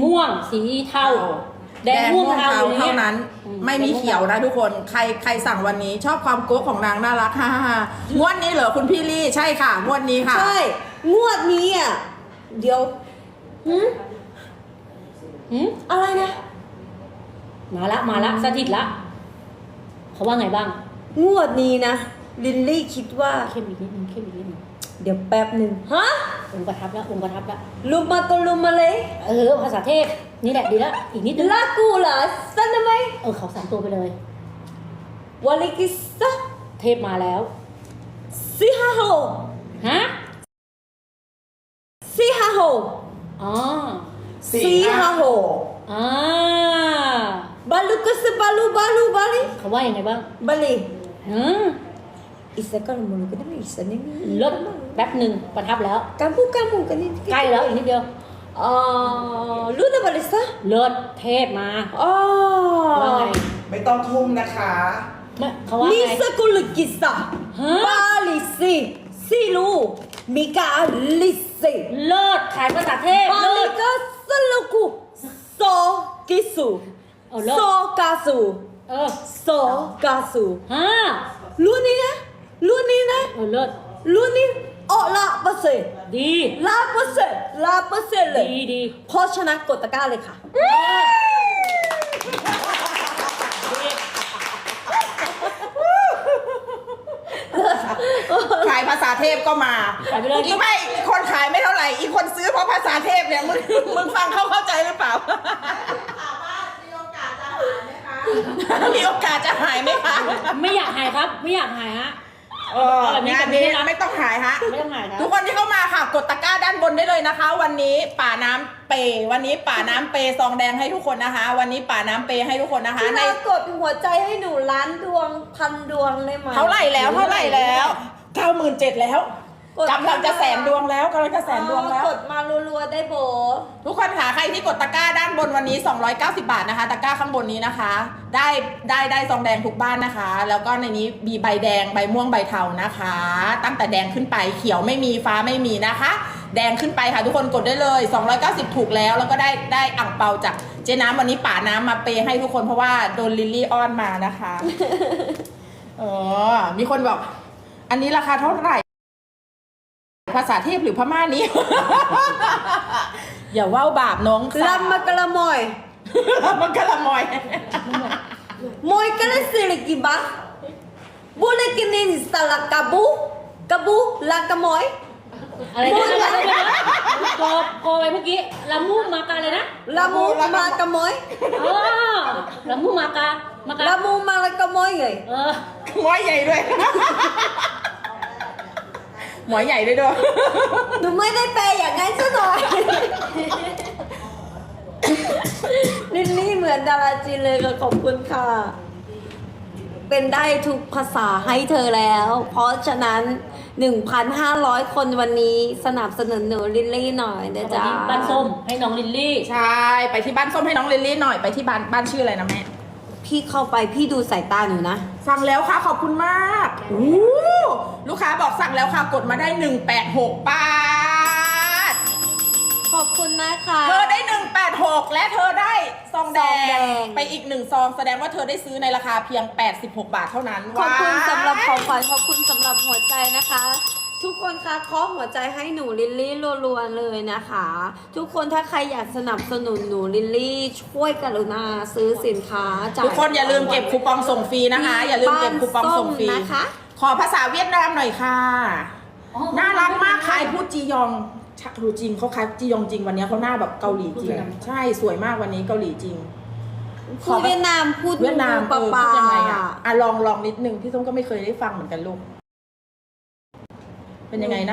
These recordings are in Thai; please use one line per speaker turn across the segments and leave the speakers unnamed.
ม่วงสีเทาแดงม่วงเทา
เท่านั้นไม่มีเขียวนะทุกคนใครสั่งวันนี้ชอบความโก๊กของนางน่ารักฮ่างวดนี้เหรอคุณพี่ลี่ใช่ค่ะงวดนี้ค่ะ
ใช่งวดนี้อ่ะเดี๋ยวอะไรนะ
มาละสถิตละเขาว่าไงบ้าง
งวดนี้นะลินลี่คิดว่า
เข้มอีกนิดนึง
เดี๋ยวแป๊บหนึ่งฮะ
องค์ประทับแล้ว
ลุมมาก็ลุมมาเลย
ภาษาเทพนี่แหละดีแล้วอีกนิดนึง
ลากูเหรอสันทำไม
เขา3 ตัวไปเลยว
าลิกิสะ
เทพมาแล้ว
ซีฮาโฮ
ฮะ
ซีฮาโฮ
อ๋อ
ซีฮาโฮ
อ่า
บาลูกุสบาลูบาลี
เขาว่ายังไงบ้าง
บาลี
อิ
isa kan mulu kan ni isa ni
ลดแป๊บหนึ่งประทับแล้ว
kamu kan ni
ใกล้แล้วอีกนิดเดียว
lu na balisa
เลิศเทพมาว่าไง
ไม่ต้องทุ่มนะคะ
เขาว่าไง
Nisa kulukisa
ฮะ
balisi silu mika lisi
เลิศขายภาษาเทพเลิศ
balika saluku so kisu
เลิศ
so kasu
เออ
so kasu
ฮะ
lu niนะ
เลิศ
lu ni oh la pase
ดี
la pase เลย
ดี
เพราะฉะนั้นกดตะกร้าเลยค่ะ
ขายภาษาเทพก็มา
ขายไปเลย
อีกไม่คนขายไม่เท่าไหร่อีกคนซื้อเพราะภาษาเทพเนี่ยมึงฟังเข้าใจหรือเปล่ามีโอกาสจะหายไหมคะ
ไม่อยากหายครับ ไม่อยากหายฮะ
งานนี้ไม่ต้องหายฮะ
ไม่ต้องหายครับ
ทุกคนที่เข้ามาค่ะกดตะกร้าด้านบนได้เลยนะคะ วันนี้ป่าน้ำเปวันนี้ป่าน้ำเปซองแดงให้ทุกคนนะคะ วันนี้ป่าน้ำเปให้ทุกคนนะคะ
พี่
ใน
นากดหัวใจให้หนูล้านดวง1,000 ดวงได้ไหม
เท่าไหร่แล้ว97,000แล้วกำลังจะแสนดวงแล้วกำลังจะแสนดวงแล้ว
กดมารัวๆได้โบ
ทุกคนค่ะใครที่กดตะกร้าด้านบนวันนี้290 บาทนะคะตะกร้าข้างบนนี้นะคะ ได้ซองแดงทุกบ้านนะคะ แล้วก็ในนี้มีใบแดงใบม่วงใบเทานะคะ ตั้งแต่แดงขึ้นไปเขียวไม่มีฟ้าไม่มีนะคะ แดงขึ้นไปค่ะทุกคนกดได้เลย290ถูกแล้วแล้วก็ได้อ่างเปาจากเจ๊น้ำวันนี้ป่าน้ำมาเปย์ให้ทุกคนเพราะว่าโดนลิลลี่อ้อนมานะคะมีคนบอกอันนี้ราคาเท่าไหร่ภาษาเทพหรือพม่านี้ อย่าว่าวบาปน้องสาว
ลำมากระมอย
มันกะละมอย
มอยกระสิลิกิบะบุเลกินินสลากาบูลากามอย
อะไรนะโกไปเมื่อกี้ลามูมากาเลยนะ
ลามูมากามอย
ลามูมากา
ลามูมาลากามอยไง
หมอยใหญ่ด้วย หมอยใหญ่ด้วยด้วย
หนูไม่ได้แปลอย่างนั้นซะหน่อย ลิลลี่เหมือนดาราจีนเลยค่ะขอบคุณค่ะ เป็นได้ทุกภาษาให้เธอแล้ว เพราะฉะนั้น 1,500 คนวันนี้สนับสนุนหนูลิลลี่หน่อยนะจ๊ะ
บ้านส้มให้น้องลิลลี่
ใช่ไปที่บ้านส้มให้น้องลิลลี่หน่อยไปที่บ้านชื่ออะไรนะแม่
พี่เข้าไปพี่ดูสายตาหนูนะ
สั่งแล้วค่ะขอบคุณมากลูกค้าบอกสั่งแล้วค่ะกดมาได้186 บาท
ขอบคุณนะคะ
เธอได้186และเธอได้ซองแด
ซองแด
ง
ง
ไปอีก1ซองแสดงว่าเธอได้ซื้อในราคาเพียง86 บาทเท่านั้น
ขอบคุณ
ว้าย
สำหรับของขวัญขอบคุณสำหรับหัวใจนะคะ ทุกคนคะเคาะหัวใจให้หนูลิลลี่รัวๆเลยนะคะ ทุกคนถ้าใครอยากสนับสนุนหนูลิลลี่ช่วยกรุณาซื้อสินค้าจ่าย
ทุกคนอย่าลืมเก็บคูปองส่งฟรีนะคะ อย่าลืมเก็บคูปองส่งฟรี
บ้านส้มนะคะ
ขอภาษาเวียดนามหน่อยค่ะ น่ารักมากขายพูดจียองชักรู้จริงเขาขายจียองจริงวันนี้เขาหน้าแบบเกาหลีจริงใช่สวยมากวันนี้เกาหลีจริง
พูดเวียดนามพูด
เวียดนาม
ปะ
พู
ปา
ดยังไงอ่ะลองนิดนึงพี่ส้มก็ไม่เคยได้ฟังเหมือนกันลูกเป็นยังไงนะ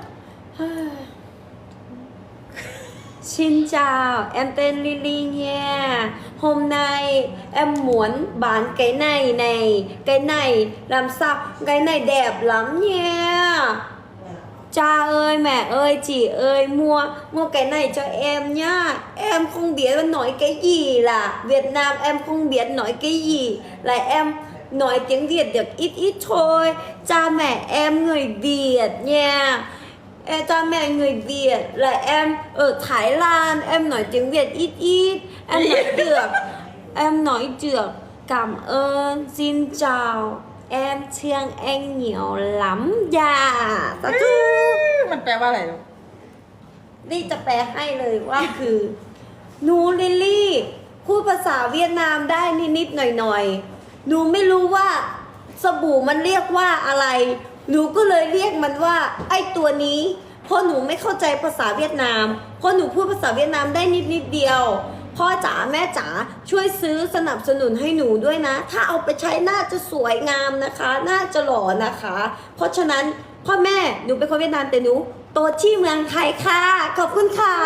Xin chào, em tên Lily nha. Hôm nay em muốn bán cái này. Cái này làm sao? Cái này đẹp lắm nha. Cha ơi, mẹ ơi, chị ơi, mua cái này cho em nhá. Em không biết nói cái gì là Việt Nam em không biết nói cái gì. Là em nói tiếng Việt được ít thôi. Cha mẹ em người Việt nha. cha mẹ người Việt là em ở Thái Lan, em nói tiếng Việt ít ít, em nói được, em nói được. Cảm ơn, xin chào, em thương anh nhiều lắm dạ. Sá thu.
มันแปลว่าอะไรลูก
นี่จะแปลให้เลยว่าคือหนูลิลลี่พูดภาษาเวียดนามได้นิดๆหน่อยๆหนูไม่รู้ว่าสบู่มันเรียกว่าอะไร หนูก็เลยเรียกมันว่าไอ้ตัวนี้เพราะหนูไม่เข้าใจภาษาเวียดนามเพราะหนูพูดภาษาเวียดนามได้นิดๆเดียวพ่อจ๋าแม่จ๋าช่วยซื้อสนับสนุนให้หนูด้วยนะ ถ้าเอาไปใช้น่าจะสวยงามนะคะน่าจะหล่อนะคะ เพราะฉะนั้นพ่อแม่หนูเป็นคนเวียดนามแต่หนูโตที่เมืองไทยค่ะขอบคุณค่ะ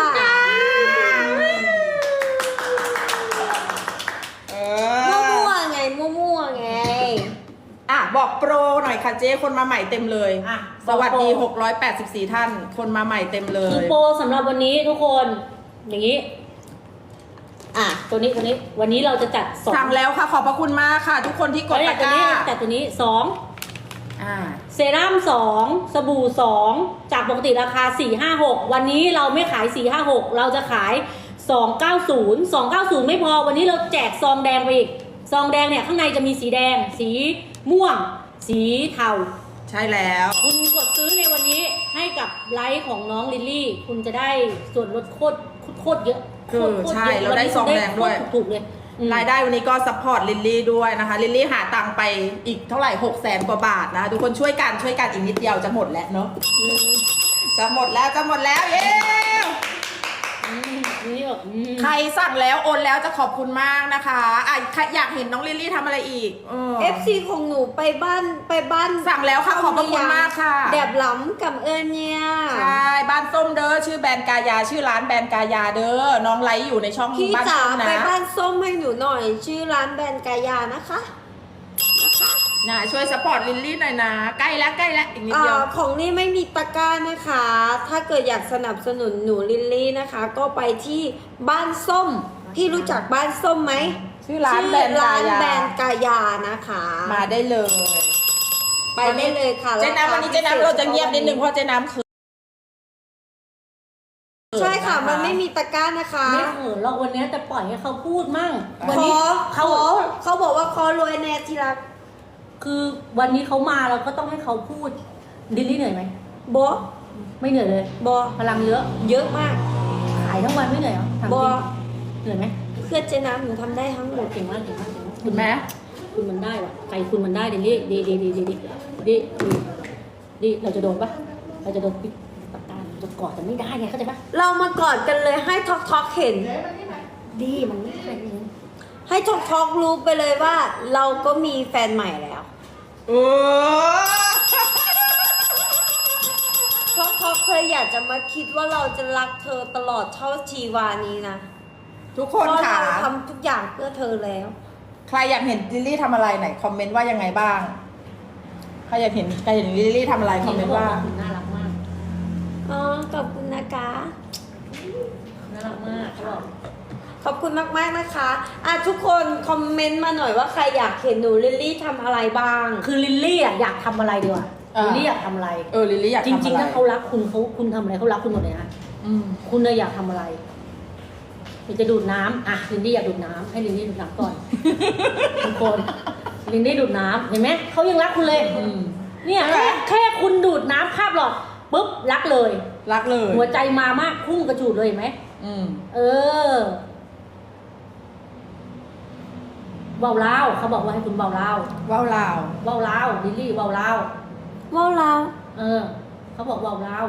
มั่วๆไงมั่วๆไง
อ่ะบอกโปรหน่อยค่ะเจ๊คนมาใหม่เต็มเลย
อ่ะ
สวัสดี 684 ท่าน คนมาใหม่เต็มเล
คือย โปรสำหรับวันนี้ทุกคนอย่างนี้
อ่ะ
ตัวนี้วันนี้เราจะจัดสอง
สั่งแล้วค่ะขอบพระคุณมากค่ะ ทุกคนที่กดตะก
ตัว
ร้า
นี้จัดตัวนี้สอง
อ่า
เซรั่ม2 สบู่ 2 จากปกติราคา 456 วันนี้เราไม่ขาย 456 เราจะขาย 290 290 ไม่พอวันนี้เราแจกซองแดงไปอีกซองแดงเนี่ยข้างในจะมีสีแดง สีม่วง สีเทา
ใช่แล้ว
คุณกดซื้อในวันนี้ให้กับไลฟ์ของน้องลิลลี่ คุณจะได้ส่วนลดโคตรเยอะ
คือ
โคตร
ใช่
ยอะ
เราได้ซองแดงด้วย
โคตรถูกๆเลยอืม
รายได้วันนี้ก็ซัพพอร์ตลิลลี่ด้วยนะคะลิลลี่หาตังค์ไปอีกเท่าไหร่ 600,000 กว่าบาทนะคะทุกคนช่วยกันอีกนิดเดียวจะหมดแล้วเนาะ
อืม
จะหมดแล้วเย้
นี่แบบอืม
ใครสั่งแล้วโอนแล้วจะขอบคุณมากนะคะอ่ะใครอยากเห็นน้องลิลลี่ทำอะไรอีก
FC ของหนูไปบ้าน
สั่งแล้วค่ะขอบพระคุณมากค่ะ
แดบหล้ำกับเอิญเนี่ย
ใช่บ้านส้มเด้อชื่อแบรนด์กายาชื่อร้านแบรนด์กายาเด้อน้องไลฟ์อยู่ในช่อง
พี่
บ้าน
จ๋า
ส้ม
ไป
นะ
บ้านส้มให้หนูหน่อย ชื่อร้านแบรนด์กายานะคะ
นะช่วยสปอร์ตลิลลี่หน่อยนะใกล้แล้วอีกนิดเดียว
ของนี่ไม่มีตะกร้านะคะ ถ้าเกิดอยากสนับสนุนหนูลิลลี่นะคะ ก็ไปที่บ้านส้มพี่รู้จักบ้านส้มไหม
ชื่อร้านแบรนด์กายา
แบรนด์กายานะคะ
มาได้เลย
ไปได้เลยค่ะ
เจ๊น้ำวันนี้เจ๊น้ำเราจะเงียบนิดนึงเพราะเจ๊น้ำคือ
ใช่ค่ะมันไม่มีตะกร้านะคะ
ไม่เขินหรอกวันนี้แต่ปล่อยให้เขาพูดมั่ง วัน
ข
นี้
อ
เขา
บอกว่าขอรวยแน่ที่รัก
คือวันนี้เขามาเราก็ต้องให้เขาพูดลิลลี่เหนื่อยไหม
บอ
ไม่เหนื่อยเลย
บอ
พลังเยอะ
เยอะมาก
ขายทั้งวันไม่เหนื่อยเหรอถาม
บ
จ
อ
ริงเหนื่อยไหม
เพื่อนเจ๊น้ำหนูทำได้ทั้งหมด
เก่งมากเก่งมากเก่งมาก
คุณแม่
คุณมันได้ว่ะใจคุณมันได้ลิลลี่ดีเราจะโดนปะเราจะโดนปิดปากกาจะกอดแต่ไม่ได้ไงเข้าใจปะ
เรามากอดกันเลยให้ท็อกเห็น
ดีมันไม่ได้จริง
ให้ท็อกรู้ไปเลยว่า เราก็มีแฟนใหม่แล้ว
โอ้
ท็อกเคยอยากจะมาคิดว่าเราจะรักเธอตลอดเท่าชีวานี้นะ
ทุกค
เพ
น
ราะ
ค่ะ
เราทำทุกอย่างเพื่อเธอแล้ว
ใครอยากเห็นลิลลี่ทำอะไรไหนคอมเมนต์ว่ายังไงบ้างใครอยากเห็นลิลลี่ทำอะไรคอมเมนต์ว่า
น่ารักมาก
อ๋อ ขอบคุณนะคะ
น่ารักมากเขาบอก
ขอบคุณมากๆนะคะทุกคนคอมเมนต์มาหน่อยว่าใครอยากเห็นหนูลิลลี่ทำอะไรบ้าง
คือลิลลี่อ่ะอยากทำอะไรดีกว่า
อ่า
ลิลลี่อยากทำอะไร
ลิลลี่อยาก
จ
ทำอะไร
ริงๆถ้าเขารักคุณคุณทำอะไรเขารักคุณหมดเลยนะ
อืม
คุณเลยอยากทำอะไรอยากจะดูดน้ำอ่ะลินดี้อยากดูดน้ำให้ลินดี้ดูดน้ำก่อน ทุกคนลินดี้ดูดน้ำเห็นไหมเขายังรักคุณเลย
อืม
เนี่ย
ใช่ไหม
แค่คุณดูดน้ำคาบหลอดปุ๊บรักเลย
รักเลย
หัวใจมามากพุ่งกระจูดเลยเห็นไหม
อืม
เออเบาเล่าเขาบอกว่าให้คุณเบาเล่า
ว้าวลาว
เบาเล่าลิลลี่เบาเล่า
ว่าเรา
เออเขาบอกเบาเล่า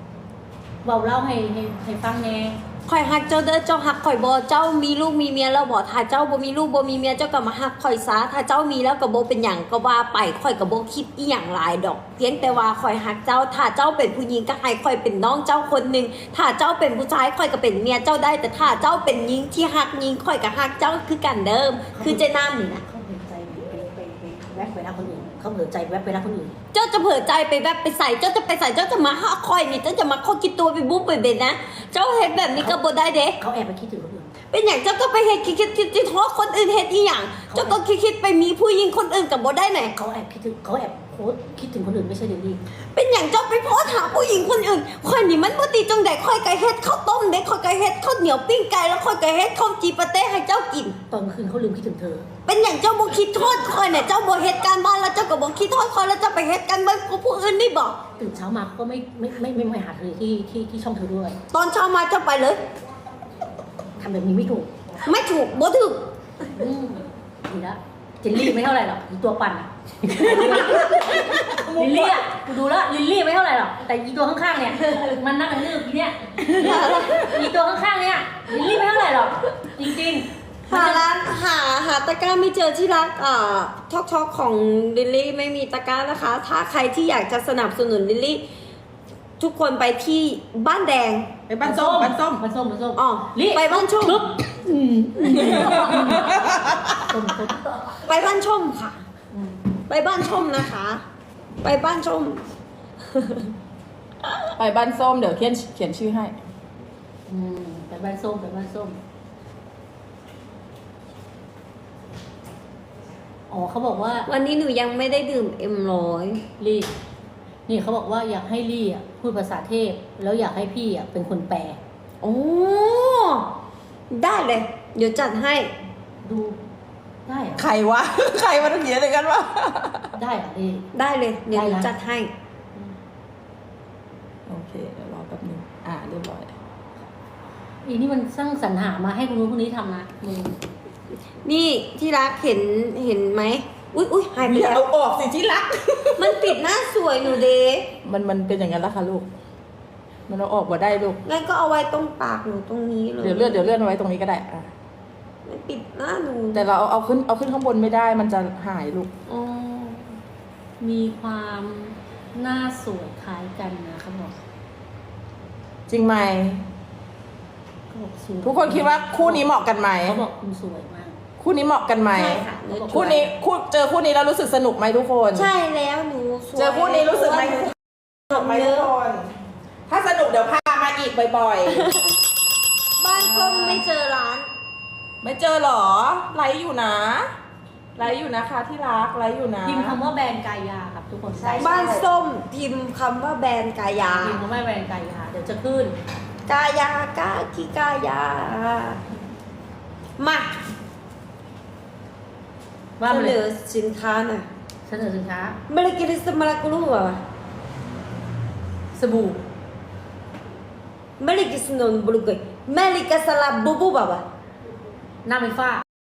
ให้ฟังแน่
ข่อยหักเจ้าเด้อเจ้าหักข่อยบ่เจ้ามีลูกมีเมียแล้วบ่ถ้าเจ้าบ่มีลูกบ่มีเมียเจ้าก็มาหักข่อยซะถ้าเจ้ามีแล้วก็บ่เป็นหยังก็ว่าไปข่อยก็บ่คิดอีหยังหลายดอก เพียงแต่ว่าข่อยหักเจ้าถ้าเจ้าเป็นผู้หญิงก็ให้ข่อยเป็นน้องเจ้าคนหนึงถ้าเจ้าเป็นผู้ชายข่อยก็เป็นเมียเจ้าได้ แต่ถ้าเจ้าเป็นหญิงที่หักหญิงข่อยก็หักเจ้าคือกันเดิม คือเจน้ำนี่นะ
เขาเผลอใจไปแวบไปรักคนอื่นเขาเผลอใจแวบไปรักคนอื่น
เจ้าจะเผลอใจไปแบบไปใส่เจ้าจะไปใส่เจ้าจะมาหักข่อยนี่เจ้าจะมาข้อคิดตัวไปบุ๊บไปเบ็ดนะเจ้าเฮ็ดแบบนี้ก็บ่ได้เด้
เขาแอบไปคิดถึงคนอื่น
เป็นอย่างเจ้าก็ไปเฮ็ดคิดโทษคนอื่นเฮ็ดอีหยังเจ้าก็คิดไปมีผู้หญิงคนอื่นกับบ่ได้ไหน
เขาแอบคิดถึงเขาแอบโพสต์คิดถึงคนอื่นไม่ใช่เดลี่
เป็นอย่างเจ้าไปโพสต์หาผู้หญิงคนอื่นค่อยนี่มันบ่ดีจังได๋ค่อยก็เฮ็ดข้าวต้มเด้ค่อยก็เฮ็ดข้าวเหนียวปิ้งไก่แล้วค่อยก็เฮ็ดข้าวจีปาเต้ให้เจ้ากิน
ตอนกลางคืนเขาลืมคิดถึงเธอ
เป็นอย่างเจ้าบ่คิดโทษค่อยเนี่ยเจ้าบ่เฮ็ดการบ้านแล้วเจ้าก็บ่คิดโทษค่อยแล้วเจ้าไปเฮ็ดการบ้านกับผู้อื่นนี่บ่
ตื่นเช้ามาเขาก็ไม่หาเธอที่ช่องเธอด้วย
ตอนเช้ามาเจ้าไปเลย
ทำแบบนี้ไม่ถูก
ไม่ถูกบ่ถูก
ดีละเจลลี่ไม่เท่าไหร่หรอกอีตัวปั่นอะ ลิลลี่อ่ะกูดูแล้วลิลลี่ไม่เท่าไหร่หรอกแต่อีตัวข้างๆเนี่ยมันนั่งกันลืบอีเนี่ยอีตัวข้างๆเนี่ยลิลลี่ไม่เท่าไหร่หรอกจริงๆ
หาร้านหาตะกร้าไม่เจอที่รักท็อกของลิลลี่ไม่มีตะกร้านะคะ ถ้าใครที่อยากจะสนับสนุนลิลลี่ทุกคนไปที่บ้านแดง
ไปบ้านส้ม
อ๋อ
ลิ
ไปบ้านชม
ปึ๊บส้ม
ไปบ้านชมค่ะ ไปบ้านชมนะคะ ไปบ้านชม
ไปบ้านส้มเดี๋ยวเขียนชื่อให้
ไปบ้านส้มไปบ้านส้มอ๋อเขาบอกว่า
วันนี้หนูยังไม่ได้ดื่มM100
ลี่นี่เขาบอกว่าอยากให้ลี่อ่ะพูดภาษาเทพแล้วอยากให้พี่อ่ะเป็นคนแปล
โอ้ได้เลย เดี๋ยวจัดให้
ดูได้เหรอ
ใครวะ ใครมาเขียนอะไรกันวะ
ได้เหรอลี่
ได้เลย เดี๋ยวหนู
ได้นะ
จัดให้
โอเคเดี๋ยวรอแป๊บนึงเรียบร้อย
อีนี่มันสร้างสรรหามาให้คนนู้นคนนี้ทำนะมึง
นี่ที่รักเห็นไหมอุ้ยหายไป
อย่า
แล้ว
เอาออกสิที่รัก
มันปิดหน้าสวยหนูเด
มันเป็นอย่างนั้นละค่ะลูก มันเอาออกมาได้ลูก
งั้นก็เอาไว้ตรงปากหนูตรงนี้เลย
เดี๋ยวเลื่อนเอาไว้ตรงนี้ก็ได้อ่ะ
มันปิดหน้าหนู
แต่เราเอาขึ้นข้างบนไม่ได้มันจะหายลูก
อ๋อ
มีความหน้าสวยคล้ายกันนะเขาบอก
จริงไหม
เขาบอกสวย
ทุกคนคิดว่าคู่นี้เหมาะกันไหม
เขาบอกคุณสวยมาก
คู่นี้เหมาะกันไหม
ใช่ค่ะหนู
คู่นี้เจอคู่นี้แล้วรู้สึกสนุกไหมทุกคน
ใช่แล้วหนูสวย
เจอคู่นี้รู้สึกไหมสนุกไหมทุกคน ถ้าสนุกเดี๋ยวพามาอีกบ่อย
บ้านส้มไม่เจอร้าน
ๆ ไม่เจอหรอ ไลฟ์อยู่นะ ไลฟ์อยู่นะคะที่รัก ไลฟ์อยู่นะ
พิมพ์คำว่าแบรนด์กายาครับทุกคน
บ้านส้มพิมพ์คำว่าแบรนด์กายา
พิมพ์คำว่าแบรนด์กายาเดี๋ยวจะขึ้น
กายากากิกายา มา
ว่า
เส
มาน เลย
อสินค้าหน่อย
เสนอสินค้า
เมลิกิริสมาลากุลูอ่ะ
สบู่
เมลิกิสนนบุลุกยเมลิกาสลาบูบูบะวะ
หน้าเป็นฝ้า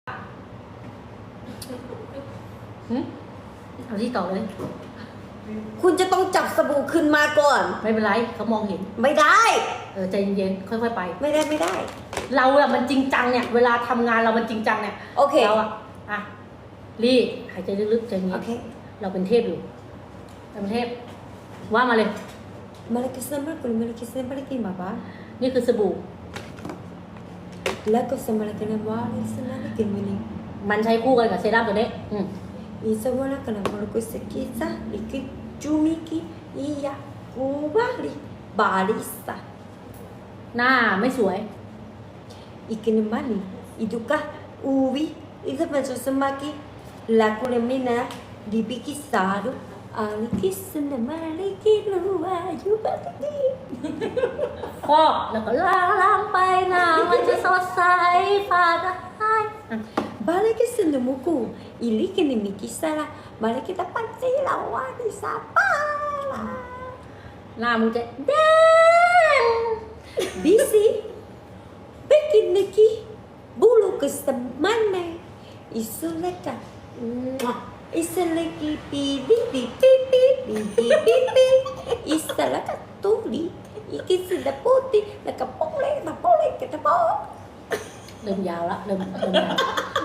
เอาที่ต่อเลย
คุณจะต้องจับสบู่ขึ้นมาก่อน
ไม่เป็นไรเขามองเห็น
ไม่ได้
ใจเย็นๆค่อยๆไป
ไม่ได้
เราอะมันจริงจังเนี่ยเวลาทำงานเรามันจริงจังเนี่ย
โอเค
เราอะรีหายใจลึกๆใจเย็
โอน เค
เราเป็นเทพอยู่เราเป็นเทพว่ามาเลย
เมลิกิสมาลากุลูเมลิกิสมาลากิมาบะ
นี่คือสบู่
แล้วก็สมาลากินาวาลิสนาลิกิมินิ
มันใช้คู่กันกับเซรั่มตัวนี้
อีสวาลากันาวาลุกุสกิซาลิกิจูมิกิอียากูบาลิบาลิสา
หน้าไม่สวย
Ikinemani, iduka, uvi, itu macam semaki, laku lemina, dibikisaru, alikis senemali luar juga tadi.
ฟอกแล้วก็ล้างไปหน้ามันจะสดใสฟ้าได้
Balik ke senemuku, ili kini mikisara, balik kita pasti lawan di sapa lah.
หน้ามึงจะแดง
Bisi, bikin lagi, bulu ke semana, isu leka, isu lagi pipi pipi pipi pipi, isu leka tuli, ikin sudah putih, leka boleh kita bawa.
เริ่มยาวละเริ่มยาว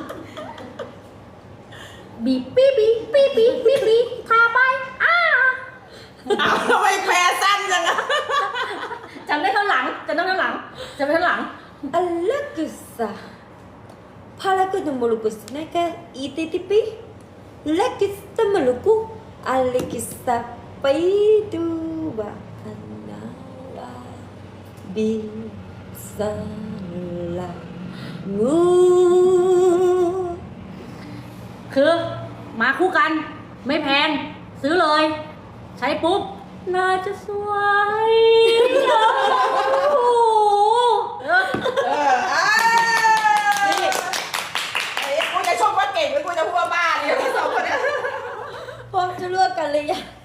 บีบปีบีปีบีปีบีทาไป
ทำไมแปลสั้นจังอะ
จำได้ข้างหลังจำได้ข้างหลังจำได้ข้างหลัง
Allah kesah, palaku tu muluku senaka ititipi, lagi kita meluku, Allah kisah paidu bahana bisala. งู
คือมาคู่กัน ไม่แพง ซื้อเลย ใช้ปุ๊บ น่าจะสวยโอ้โห
กูจะชมว่าเก่งหรือกูจะพูดว่าบ้าเนี่ยสองคนเนี่ย
พร้อมจะเลือกกันเลยยัง